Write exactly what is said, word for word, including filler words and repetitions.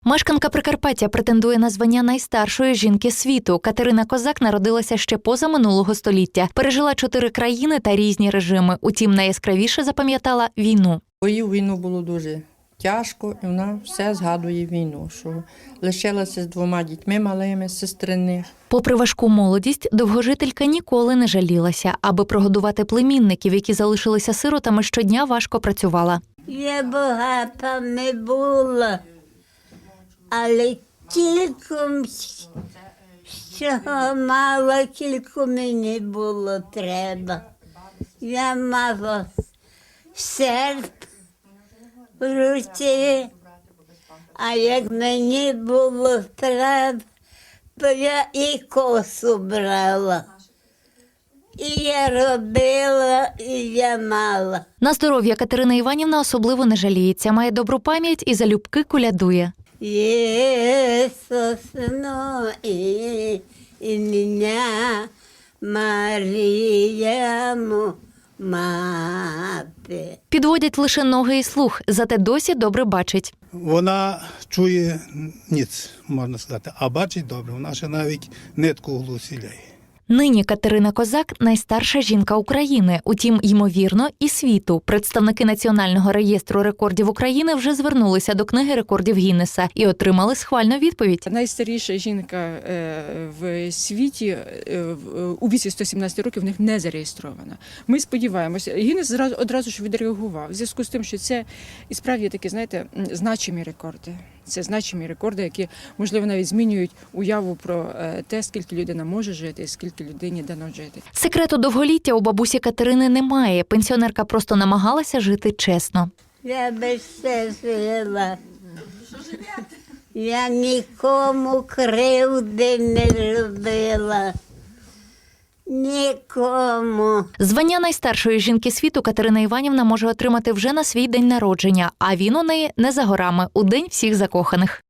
Мешканка Прикарпаття претендує на звання найстаршої жінки світу. Катерина Козак народилася ще поза минулого століття. Пережила чотири країни та різні режими. Утім, найяскравіше запам'ятала війну. Бою війну було дуже тяжко, і вона все згадує війну, що лишилася з двома дітьми малими, сестриних. Попри важку молодість, довгожителька ніколи не жалілася. Аби прогодувати племінників, які залишилися сиротами, щодня важко працювала. Я багата не була, але тільки чого мало, тільки мені було треба. Я мала серп в руці, а як мені було треба, то я і косу брала. І я робила, і я мала. На здоров'я Катерина Іванівна особливо не жаліється. Має добру пам'ять і залюбки колядує. Ісус, ну, і, і мене, Маріяму, мати. Підводять лише ноги і слух, зате досі добре бачить. Вона чує ніц, можна сказати, а бачить добре. Вона ще навіть нитку у глузі ляє. Нині Катерина Козак – найстарша жінка України, утім, ймовірно, і світу. Представники Національного реєстру рекордів України вже звернулися до книги рекордів Гіннеса і отримали схвальну відповідь. Найстаріша жінка в світі у віці сто сімнадцять років в них не зареєстрована. Ми сподіваємося, Гіннес одразу ж відреагував в зв'язку з тим, що це і справді такі, знаєте, значимі рекорди. Це значимі рекорди, які, можливо, навіть змінюють уяву про те, скільки людина може жити і скільки людині дано жити. Секрету довголіття у бабусі Катерини немає. Пенсіонерка просто намагалася жити чесно. Я би все жила. Я нікому кривди не робила. Нікому. Звання найстаршої жінки світу Катерина Іванівна може отримати вже на свій день народження, а він у неї не за горами – у день всіх закоханих.